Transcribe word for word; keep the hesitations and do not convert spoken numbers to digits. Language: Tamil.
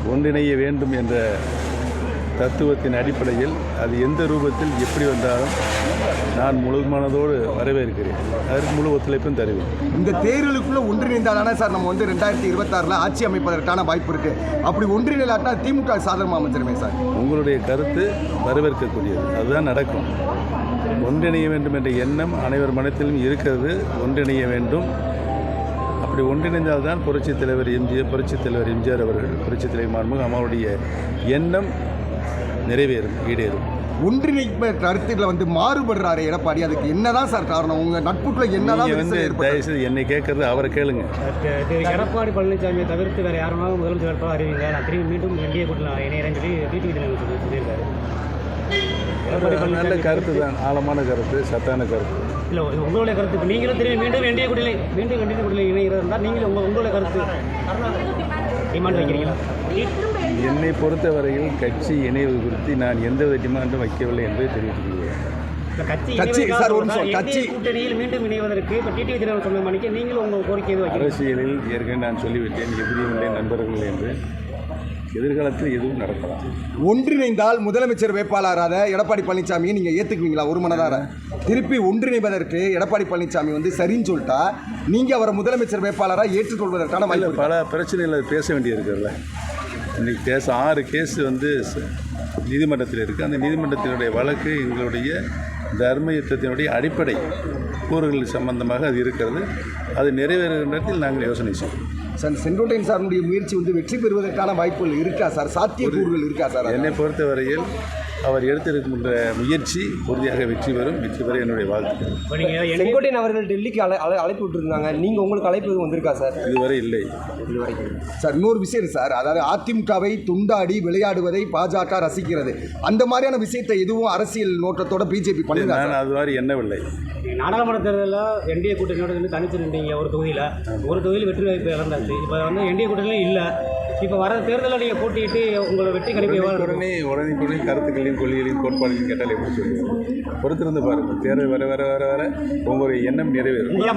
ஒன்றிணைய வேண்டும் என்ற தத்துவத்தின் அடிப்படையில் அது எந்த ரூபத்தில் எப்படி வந்தாலும் நான் முழு மனதோடு வரவேற்கிறேன். அதற்கு முழு ஒத்துழைப்பும் தருவேன். இந்த தேர்தலுக்குள்ள ஒன்றிணைந்தாதானே சார் நம்ம வந்து ரெண்டாயிரத்தி இருபத்தாறில் ஆட்சி அமைப்பதற்கான வாய்ப்பு இருக்கு. அப்படி ஒன்றிணைலாட்டா திமுக சாதகமாக அமைஞ்சிருமே சார். உங்களுடைய கருத்து வரவேற்கக்கூடியது, அதுதான் நடக்கும். ஒன்றிணைய வேண்டும் என்ற எண்ணம் அனைவர் மனத்திலும் இருக்கிறது. ஒன்றிணைய வேண்டும். அப்படி ஒன்றிணைந்தால்தான் புரட்சித் தலைவர் எம்ஜிஆர் புரட்சித் தலைவர் எம்ஜிஆர் அவர்கள் புரட்சித் தலைவர் மாண்புமிகு அம்மாவுடைய எண்ணம் நிறைவேறும், ஈடேறும். ஒன்றிணைப்பு கருத்துக்களை வந்து மாறுபடுறாரு எடப்பாடி. அதுக்கு என்னதான் சார் காரணம்? உங்க நட்புக்குள்ள என்னதான் வந்து தயவுசெய்து என்னை கேட்கறது அவரை கேளுங்க. எடப்பாடி பழனிசாமியை தவிர்த்து வேறு யாருனாலும் முதலமைச்சர் வேட்பாளர் அறிவிங்க, நான் திரும்பி மீண்டும் என்டிஏ கூட்டத்தில் இணையறேன்னு சொல்லி டிடிவி தினகரன் சொல்லியிருக்காரு. நல்ல கருத்து தான், ஆழமான கருத்து, சத்தான கருத்து. இல்லை, உங்களுடைய கருத்து நீங்களும் திரும்பி மீண்டும் என்டிஏ கூட்டத்தில் மீண்டும் என்டிஏ கூட்டத்தில் இணைகிறது இருந்தால் நீங்களும் உங்கள் உங்களுடைய கருத்து டிமாண்ட் வைக்கிறீங்களா? என்னை பொறுத்தவரையில் கட்சி இணைவு குறித்து நான் எந்தவித டிமாண்டும் வைக்கவில்லை என்பதை தெரிவித்துள்ளேன். கூட்டணியில் மீண்டும் இணைவதற்கு இப்போ டிடிவி தினகரன் சொன்ன மணிக்கு நீங்களும் உங்கள் கோரிக்கை அரசியலில் ஏற்கனவே நான் சொல்லிவிட்டேன், எதிரியும் இல்லை நண்பர்கள் என்று. எதிர்காலத்தில் எதுவும் நடக்கலாம். ஒன்றிணைந்தால் முதலமைச்சர் வேட்பாளராக எடப்பாடி பழனிசாமியை நீங்கள் ஏற்றுக்குவீங்களா? ஒரு மனதார திருப்பி ஒன்றிணைவதற்கு எடப்பாடி பழனிசாமி வந்து சரின்னு சொல்லிட்டா நீங்கள் அவரை முதலமைச்சர் வேட்பாளராக ஏற்றுக்கொள்வதற்கான வாய்ப்பு. பல பிரச்சனைகளை பேச வேண்டியிருக்குல்ல. இன்றைக்கி கேஸ் ஆறு கேஸ் வந்து நீதிமன்றத்தில் இருக்குது. அந்த நீதிமன்றத்தினுடைய வழக்கு எங்களுடைய தர்ம யுத்தத்தினுடைய அடிப்படை கூறுகள் சம்பந்தமாக அது இருக்கிறது. அது நிறைவேறுகிற நேரத்தில் நாங்கள் யோசனை செய்வோம். சார், செங்கோட்டையன் சாருடைய முயற்சி வந்து வெற்றி பெறுவதற்கான வாய்ப்புகள் இருக்கா சார்? சாத்தியக்கூறுகள் இருக்கா சார்? என்னை பொறுத்தவரையில் அவர் எடுத்திருக்கின்ற முயற்சி உறுதியாக வெற்றி பெறும். வெற்றி பெற என்னுடைய வாழ்த்துக்கள். செங்கோட்டையன் அவர்கள் டெல்லிக்கு அழை அழை அழைப்பு விட்டுருந்தாங்க. நீங்கள் உங்களுக்கு அழைப்பு எதுவும் வந்திருக்கா சார்? இதுவரை இல்லை. இதுவரை சார், இன்னொரு விஷயம் சார், அதாவது அதிமுகவை துண்டாடி விளையாடுவதை பாஜக ரசிக்கிறது. அந்த மாதிரியான விஷயத்தை எதுவும் அரசியல் நோக்கத்தோட பிஜேபி பண்ணி நான் அது மாதிரி எண்ணவில்லை. நாடாளுமன்ற தேர்தலில் என்டிஏ கூட்டணியோட வந்து தனிச்சு நின்றீங்க. ஒரு தொகுதியில் ஒரு தொகுதியில் வெற்றி வாய்ப்பு இழந்தாச்சு. இப்போ வந்து என்டிஏ கூட்டணியும் இல்லை. இப்போ வர தேர்தலில் நீங்கள் போட்டிட்டு உங்களோட வெற்றி கணிப்பு உடனே உடனே உடனே கருத்துக்களையும் கொள்கைகளையும் கோட்பாடுகளையும் கேட்டால் எப்படி சொல்லுவோம்? பொறுத்திருந்து பாருங்கள். தேர்தல் வர வர வர வர உங்களுடைய எண்ணம் நிறைவேறும்.